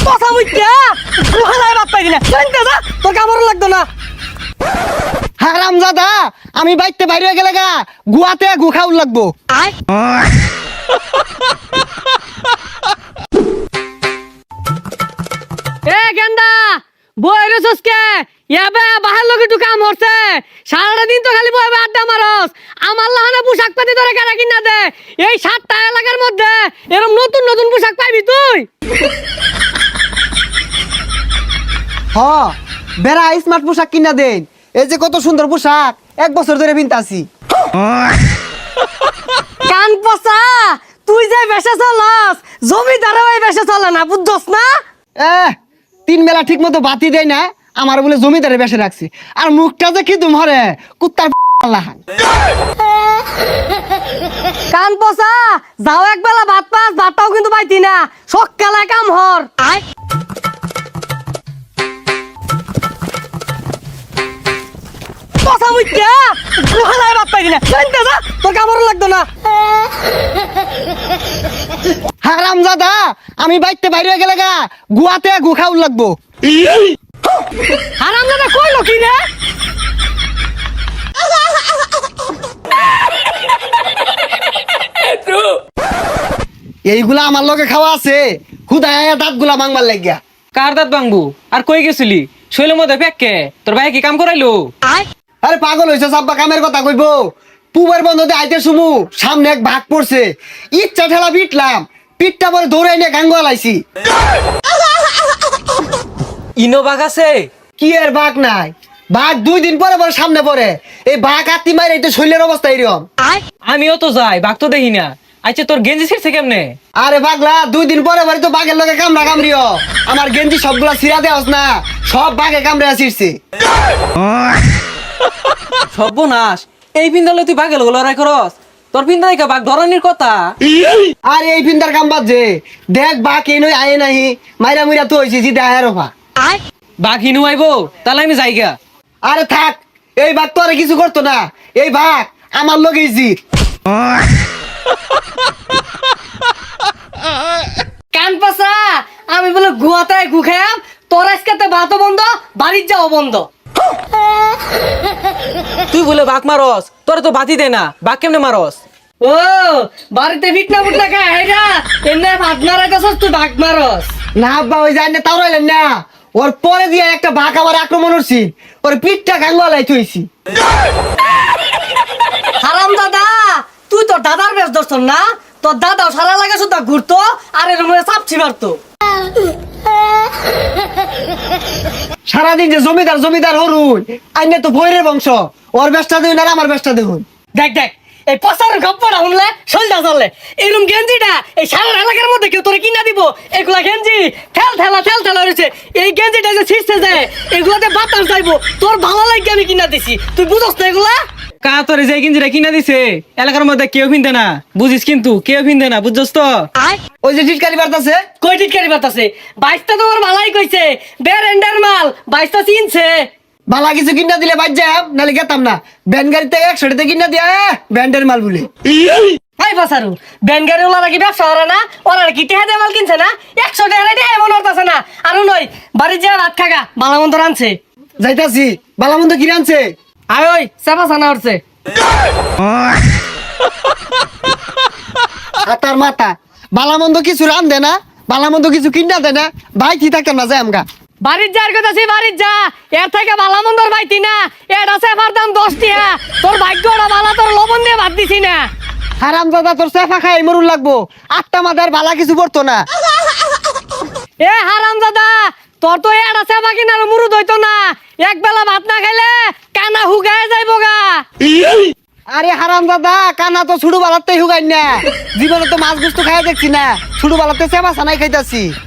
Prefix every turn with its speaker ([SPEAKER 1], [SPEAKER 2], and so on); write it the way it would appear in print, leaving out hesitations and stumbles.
[SPEAKER 1] কথা বুঝছা গুহালায় বাপ পাইবি না শুনতে যা তোর কামড় লাগতো না
[SPEAKER 2] হারামজাদা আমি বাইতে বাইরে গেলে গা গুয়াতে গু খাউল লাগবো
[SPEAKER 1] আয় এ গেন্দা বইরে সসকে ইয়াবে বাহার লগে একটু কাম হচ্ছে সারাটা দিন তো খালি বইবে আড্ডা মারস আমার লাহানে পোশাক পাতি ধরে কেনা কিনা দে এই 7টা এলাকার মধ্যে এরকম নতুন নতুন পোশাক পাইবি তুই
[SPEAKER 2] হ বেড়া স্মার্ট পোশাক কিনা দেন এই যে কত সুন্দর পোশাক 1 বছর ধরে পিনতাছি
[SPEAKER 1] কান পচা তুই যে বেশে চলস জমিদারও এই বেশে চলে না বুঝছস না
[SPEAKER 2] তিন বেলা ঠিক মতো বাতি দেয় না আমার বলে জমিদারে বেসে রাখছি আর মুখটা যে কি তোমারে কুত্তার লাহান
[SPEAKER 1] কান পচা যাও একবেলা ভাত পাস ভাতটাও কিন্তু পাইতি না সকালে কাম হর আয় পচা মুইটা গুহালায় ভাত পাইবি না শুনতে যা তোর কামড় লাগতো না
[SPEAKER 2] হারামজাদা আমি বাইতে বাইরে গেলে গা গুয়াতে গু খাউল লাগবো
[SPEAKER 1] হারামজাদা কইলো কি রে
[SPEAKER 2] এইগুলা আমার লগে খাওয়া আছে খুদায় দাঁত গুলা মাংবার লাগিয়া
[SPEAKER 3] কার দাঁত ভাঙবো আর কই গেছিলি শৈলের মধ্যে ফেককে তোর ভাই কি কাম করাইলো
[SPEAKER 1] আয়
[SPEAKER 2] আরে পাগল হয়েছে সাব্বা কামের কথা কইবো পুবের বন্ধতে আইতে শুমু সামনে এক ভাগ পড়ছে ইচ্ছা ঠেলা পিটলাম পিঠটা পরে দৌড়ে নিয়ে গাঙ্গুয়া লাইছি
[SPEAKER 3] ইনো বাঘ আছে
[SPEAKER 2] কি এর ভাগ নাই ভাগ 2 দিন পরে পরে সামনে পড়ে এই ভাগ আত্মি মাইরে এটা শৈলের অবস্থা এরকম
[SPEAKER 1] আয়
[SPEAKER 3] আমিও তো যাই বাঘ তো দেখি না আচ্ছা তোর গেঞ্জি ছিড়ছে কেমনে
[SPEAKER 2] আরে পাগলা 2 দিন পরে পরে তো বাঘের লগে কামড়া কামড়িও আমার গেঞ্জি সবগুলা ছিড়া দেওয়াস না সব বাঘে কামড়ে ছিড়ছে
[SPEAKER 3] সর্বনাশ এই পিন্দালে তুই বাঘের লড়াই করস তোর পিন্দা দেখা বাঘ ধরনের কথা
[SPEAKER 2] আরে এই ফিন্দার কাম বাদ যে দেখ বাঘ এই নই আয়ে নাহি মাইরা মুইরা তো হইছি জিদা আয়ের রফা
[SPEAKER 1] আয়
[SPEAKER 3] বাঘ হিনু আইবো তাহলে আমি যাইগা
[SPEAKER 2] আরে থাক এই বাঘ তো আর কিছু করতো না এই বাঘ আমার লগেই জিত
[SPEAKER 1] কান পচা আমি বলে গুয়াতে গু খাম তোর আজকে ভাতও বন্ধ বাড়ির যাও বন্ধ
[SPEAKER 3] তুই বলে বাঘ মারস তোর তো বাতি দে না বাঘ কেমনে মারস
[SPEAKER 1] ও বাড়িতে ফিটনা ফুটনা খায় হেরা এমনি ভাত মারাইতেছস তুই ভাগ মারস
[SPEAKER 2] না আব্বা ওই যায় না তাও রইলেন না ওর পরে দিয়ে একটা বাঘ আমার আক্রমণ হচ্ছি ওর পিঠটা গাঙ্গুয়ালাই থইছি
[SPEAKER 1] হারাম দাদা তুই তোর দাদার বেশ ধরছ না তোর দাদাও সারা লাগে শুধু ঘুরতো আর এর মধ্যে চাপছি মারতো
[SPEAKER 2] সারাদিন যে জমিদার জমিদার হরুন আইনে তো ভৈরের বংশ ওর ব্যবসা দেখুন আর আমার ব্যবসা দেখুন
[SPEAKER 1] দেখ দেখ এই পচার গপ্পটা শুনলে সলটা চললে এরকম গেঞ্জিটা এই সারা এলাকার মধ্যে কেউ তোরে কিনা দিব এগুলা গেঞ্জি ঠেল ঠেলা রয়েছে এই গেঞ্জিটা যে ছিঁড়ছে যায় এগুলাতে বাতাস যাইবো তোর ভালো লাগে আমি কিনা দিছি তুই বুঝস না এগুলা
[SPEAKER 3] কা তোর যে গেঞ্জিটা কিনা দিছে এলাকার মধ্যে কেউ পিনতে না বুঝিস কিন্তু কেউ পিনতে না বুঝছস তো
[SPEAKER 1] আয়
[SPEAKER 2] ওই যে টিটকারি বার্তাছে
[SPEAKER 1] কই টিটকারি বাতাসে বাইশটা তোমার ভালাই কইছে বেরেন্ডার মাল বাইশটা চিনছে
[SPEAKER 2] বালা কিছু কিনা দিলে বাদ যাম নাহলে গেতাম না ব্যান গাড়িতে 100 টাকা কিনা দিয়া ব্যান্ডের মাল বলে
[SPEAKER 1] হাই বাসারু ব্যানগাড়ি ওলা কি ব্যবসা করে না ওরা কি টেহা দিয়ে মাল কিনছে না 100 টাকা রেটে এমন হতাছে না আরো নয় বাড়ির যা ভাত খাগা বালামন্ত রানছে
[SPEAKER 2] যাইতাছি বালামন্দ কিনে আনছে
[SPEAKER 1] আয় ওই চাপা ছানা উঠছে
[SPEAKER 2] হাতার মাথা বালামন্দ কিছু রান দে না বালামন্দ কিছু কিনা দে না ভাই কি থাকতাম না যাই আমগা
[SPEAKER 1] বাড়ির যার কথা সে বাড়ির যা এর থেকে বালামন্দর পাইতি না এটা সেফার দাম 10 টাকা তোর ভাগ্যটা বালা তোর লবণ দিয়ে ভাত দিছি না
[SPEAKER 2] হারাম দাদা তোর সেফা খাই মরুন লাগবো 8টা মাদার বালা কিছু পড়তো না
[SPEAKER 1] এ হারাম দাদা তোর তো এটা সেফা কিনার মুরুদ হইতো না এক বেলা ভাত না খাইলে কানা হুগায় যাইবো গা
[SPEAKER 2] আরে হারাম দাদা কানা তো ছুড়ু বালাতে হুগাই না জীবনে তো মাছ গুস্তু খাই দেখছি না ছুড়ু বালাতে সেবা সানাই খাইতাছি